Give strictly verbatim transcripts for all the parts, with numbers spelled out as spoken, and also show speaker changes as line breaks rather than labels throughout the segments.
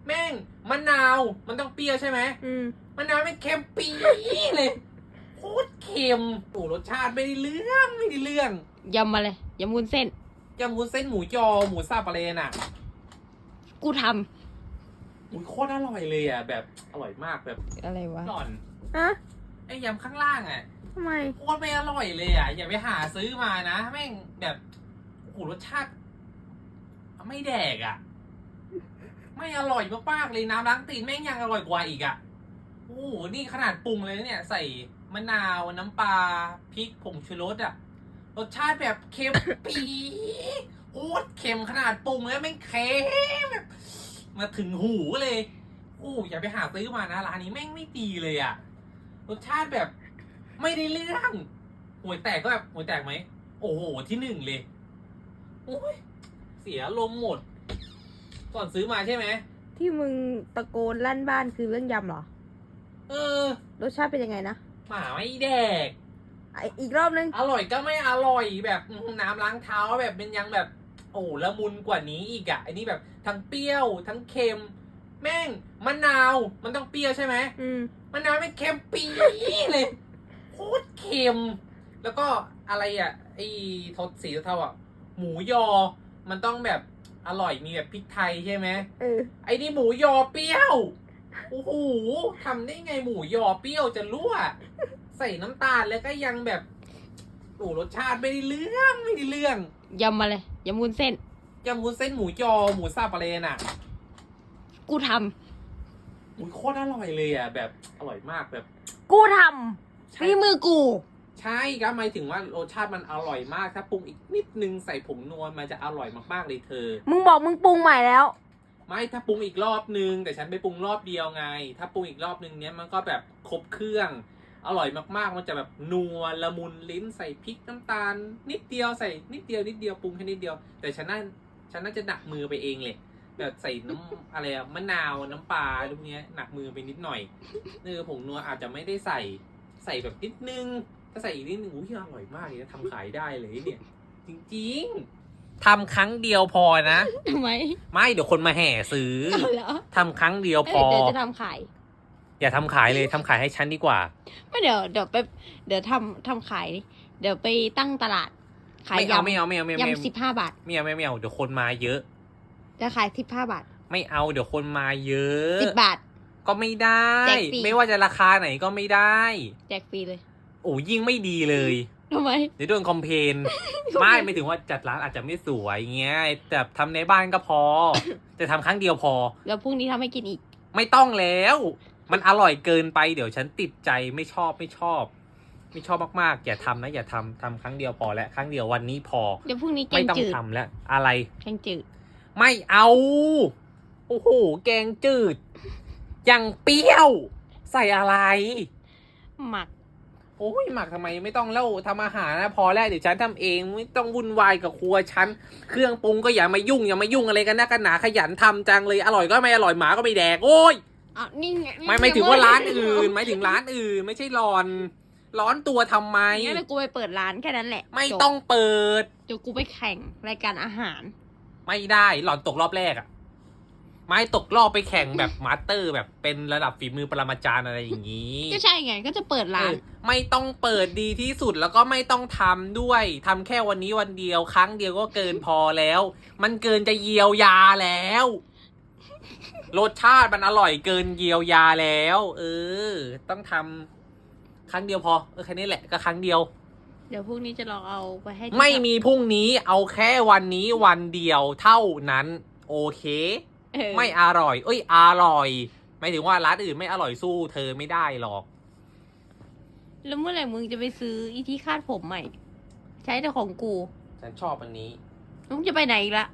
แม่งมะนาวมันต้องเปรี้ยวใช่ไหม
อืม
มะนาวไม่เค็มปี๊ดเลยโคตรเค็มโอ้รสชาติไม่ได้เรื่องไม่ได้เรื่อง
ยำมาเลยยำวุ้นเส้น
ยำวุ้นเส้นหมูยอหมูสับอะไรน่ะ
กูท
อุ้ยโคตรอร่อยเลยอ่ะแบบอร่อยมากแบบ
ำอะไรวะ
หล่อน
ฮะ
ไอ้ยำข้างล่างอ่ะ
ทำไม
โคตรไม่อร่อยเลยอ่ะอย่าไปหาซื้อมานะแม่งแบบโอ้โหรสชาติไม่แดกอ่ะไม่อร่อยมากๆเลยน้ำล้างตีนแม่งยังอร่อยกว่าอีกอ่ะโอ้โหนี่ขนาดปรุงเลยเนี่ยใส่มะนาวน้ำปลาพริกผงชูรสอ่ะรสชาติแบบเค็มปี๊ดโคตรเค็มขนาดปรุงแล้วแม่งเค็มแบบมาถึงหูเลยโอ้อย่าไปหาซื้อมานะร้านนี้แม่งไม่ดีเลยอ่ะรสชาติแบบไม่ได้เรื่องห่วยแตกก็แบบห่วยแตกไหมโอ้โหที่หนึ่งเลยโอ้ยเสียลมหมดก่อนซื้อมาใช่ไหม
ที่มึงตะโกนลั่นบ้านคือเรื่องยำเหรอ
เออ
รสชาติเป็นยังไงนะ
หมาไม่แดก
ไออีกรอบนึง
อร่อยก็ไม่อร่อยแบบน้ำล้างเท้าแบบเป็นยังแบบโอ้ละมุนกว่านี้อีกอะอันนี้แบบทั้งเปรี้ยวทั้งเค็มแม่งมะนาวมันต้องเปรี้ยวใช่ไหม
อืม
มะนาวไม่เค็มปี๊ดเลยโคตรเค็มแล้วก็อะไรอ่ะไอ้ทศสีเทาอ่ะหมูยอมันต้องแบบอร่อยมีแบบพริกไทยใช่ไหม
เออ
ไอ้นี่หมูยอเปรี้ยวโอ้โหทำได้ไงหมูยอเปรี้ยวจะรั่วใส่น้ำตาลแล้วก็ยังแบบโอ้รสชาติไม่ได้เรื่องไม่ได้เรื่อง
ยำมาเลยยำวุ้นเส้น
ยำวุ้นเส้นหมูยอหมูสับอะไรน่ะ
กูท
ำอุ้ยโคตรอร่อยเลยอ่ะแบบอร่อยมากแบบ
กูทำฝีมือกู
ใช่ครับหมายถึงว่ารสชาติมันอร่อยมากถ้าปรุงอีกนิดนึงใส่ผงนัวมันจะอร่อยมากๆเลยเธอ
มึงบอกมึงปรุงใหม่แล้ว
ไม่ถ้าปรุงอีกรอบนึงแต่ฉันไปปรุงรอบเดียวไงถ้าปรุงอีกรอบนึงเนี้ยมันก็แบบครบเครื่องอร่อยมากๆมันจะแบบนัวละมุนลิ้นใส่พริกน้ำตาลนิดเดียวใส่นิดเดียวนิดเดียวปรุงแค่นิดเดียวแต่ฉันน่าฉันน่าจะหนักมือไปเองเลยแบบใส่น้ำอะไรอะมะนาวน้ำปลาอะไรพวกนี้หนักมือไปนิดหน่อยเออผงนัวอาจจะไม่ได้ใส่ใส่แบบนิดนึงถ้าใส่อีกนิดนึงอุ้ยอร่อยมากเลยนะทำขายได้เลยเนี่ยจริงๆทำครั้งเดียวพอนะ
ทำไม
ไม่เดี๋ยวคนมาแห่ซื้อทำครั้งเดียวพอ
เดี๋ยวจะทำขาย
อย่าทำขายเลยทำขายให้ฉันดีกว่า
ไม่เดี๋ยวเดี๋ยวไปเดี๋ยวทำทำขายเดี๋ยวไปตั้งตลาดขายยำ
ไม่เอาไม่เอาไม่เอา
ยำสิบห้าบาท
ไม่เอาไม่เอาเดี๋ยวคนมาเยอะ
จะขายสิบห้าบาท
ไม่เอาเดี๋ยวคนมาเยอะ
สิบบาท
ก็ไม่ได้ไม่ว่าจะราคาไหนก็ไม่ได้
แจกฟรีเลย
โอ้ยิ่งไม่ดีเลย
ทำไม
เดี๋ยวโดนคอมเพนไม่ไม่ถึงว่าจัดร้านอาจจะไม่สวยเงี้ยแต่ทำในบ้านก็พอแต่ทำครั้งเดียวพอ
แล้วพรุ่งนี้ทำให้กินอีก
ไม่ต้องแล้วมันอร่อยเกินไปเดี๋ยวฉันติดใจไม่ชอบไม่ชอบไม่ชอบมากๆอย่าทำนะอย่าทำทำครั้งเดียวพอแล้วครั้งเดียววันนี้พอ
เดี๋ยวพรุ่งนี้แกงจืด
ไม่ต้องทำแล้วอะไร
แกงจืด
ไม่เอาโอ้โหแกงจืดยังเปรี้ยวใส่อะไร
หมัก
โอ้ยหมักทำไมไม่ต้องเล่าทำอาหารนะพอแล้วเดี๋ยวฉันทำเองไม่ต้องวุ่นวายกับครัวฉันเครื่องปรุงก็อย่ามายุ่งอย่ามายุ่งอะไรกันนะกันหนาขยันทำจังเลยอร่อยก็ไม่อร่อยหมาก็ไม่แดกโอ้ย
อ่ะนี่ไง
ไม่ไม่ถึงว่าร้านอื่นไม่ถึงร้านอื่นไม่ใช่ร้อนร้อนตัวทำไม
งั้นเดี๋ยวกูไปเปิดร้านแค่นั้นแหละ
ไม่ต้องเปิด
เดี๋ยวกูไปแข่งรายการอาหาร
ไม่ได้หล่อนตกรอบแรกอะไม่ตกรอบไปแข่งแบบมาสเตอร์แบบเป็นระดับฝีมือปรมาจารย์อะไรอย่างนี้
ก็ใช่ไงก็จะเปิดร้าน
ไม่ต้องเปิดดีที่สุดแล้วก็ไม่ต้องทำด้วยทำแค่วันนี้วันเดียวครั้งเดียวก็เกินพอแล้วมันเกินจะเยียวยาแล้วรสชาติมันอร่อยเกินเยียวยาแล้วเออต้องทำครั้งเดียวพอเออแค่นี้แหละก็ครั้งเดียว
เดี๋ยวพรุ่งนี้จะลองเอาไปให้
ไม่มีพรุ่งนี้เอาแค่วันนี้วันเดียวเท่านั้นโอเคไม่อร่อยเอ้ยอร่อยไม่ถึงว่าร้านอื่นไม่อร่อยสู้เธอไม่ได้หรอก
แล้วเมื่อไหร่มึงจะไปซื้ออีที่คาดผมใหม่ใช้แต่ของกู
ฉันชอบอันนี้
มึงจะไปไหนอีกละ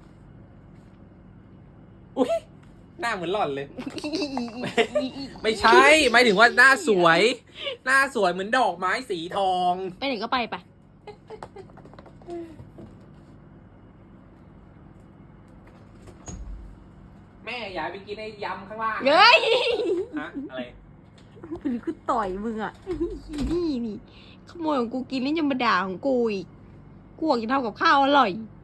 อุ้ยหน้าเหมือนหล่อนเลย ไม่ใช่หมายถึงว่าหน้าสวยหน้าสวยเหมือนดอกไม้สีทอง
ไปไหนก็ไปไป
แม่อย่าไปกินไอ้ยำข้างล่าง
เฮ้ย
ฮะอะไร
หรือกูต่อยมึงอ่ะนี่นี่ขโมยของกูกินแล้วยังมาด่าของกูอีกกูอยากจะทำกับข้าวอร่อย